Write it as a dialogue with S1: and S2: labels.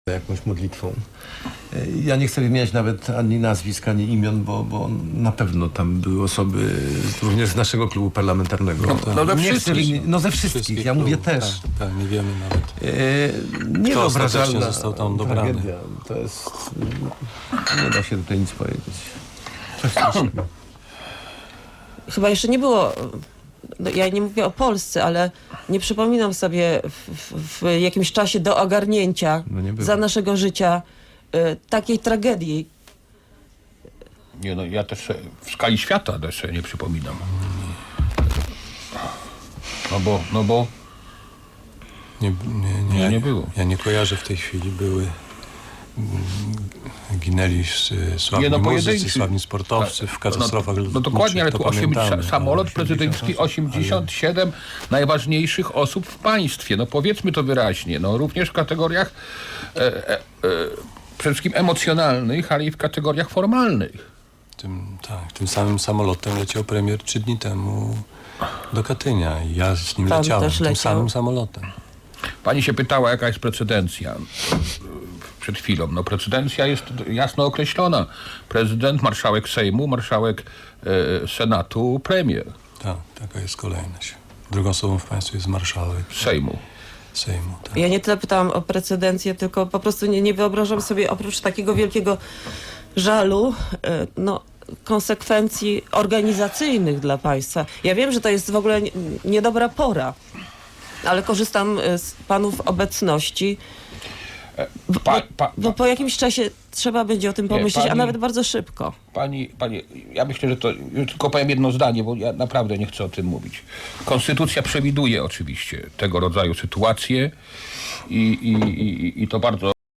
S1: jakąś modlitwą. Ja nie chcę wymieniać nawet ani nazwisk, ani imion, bo na pewno tam były osoby również z naszego klubu parlamentarnego. Ze wszystkich. Ja mówię też.
S2: Tak, nie wiemy nawet.
S1: Niewyobrażalna
S2: został tam dobrany.
S1: tragedia. To jest... Nie da się tutaj nic powiedzieć. Coś strasznego.
S3: Chyba jeszcze nie było, ja nie mówię o Polsce, ale nie przypominam sobie w jakimś czasie do ogarnięcia za naszego życia takiej tragedii.
S4: Nie, no ja też w skali świata też nie przypominam. No bo nie było.
S2: Ja nie kojarzę w tej chwili, ginęli sławni muzycy, sławni sportowcy w katastrofach
S4: No dokładnie, ale tu samolot prezydencki, 87 najważniejszych osób w państwie. No powiedzmy to wyraźnie. No również w kategoriach przede wszystkim emocjonalnych, ale i w kategoriach formalnych.
S2: Tym samym samolotem leciał premier 3 dni temu do Katynia i ja z nim leciałem, tym samym samolotem.
S4: Pani się pytała, jaka jest precedencja przed chwilą. No precedencja jest jasno określona. Prezydent, marszałek Sejmu, marszałek Senatu, premier.
S2: Tak, taka jest kolejność. Drugą osobą w państwie jest marszałek
S4: Sejmu,
S2: tak.
S3: Ja nie tyle pytałam o precedencję, tylko po prostu nie wyobrażam sobie oprócz takiego wielkiego żalu, konsekwencji organizacyjnych dla państwa. Ja wiem, że to jest w ogóle niedobra pora, ale korzystam z panów obecności, bo po jakimś czasie trzeba będzie o tym pomyśleć, a nawet bardzo szybko.
S4: Pani, ja myślę, że to, tylko powiem jedno zdanie, bo ja naprawdę nie chcę o tym mówić. Konstytucja przewiduje oczywiście tego rodzaju sytuacje i to bardzo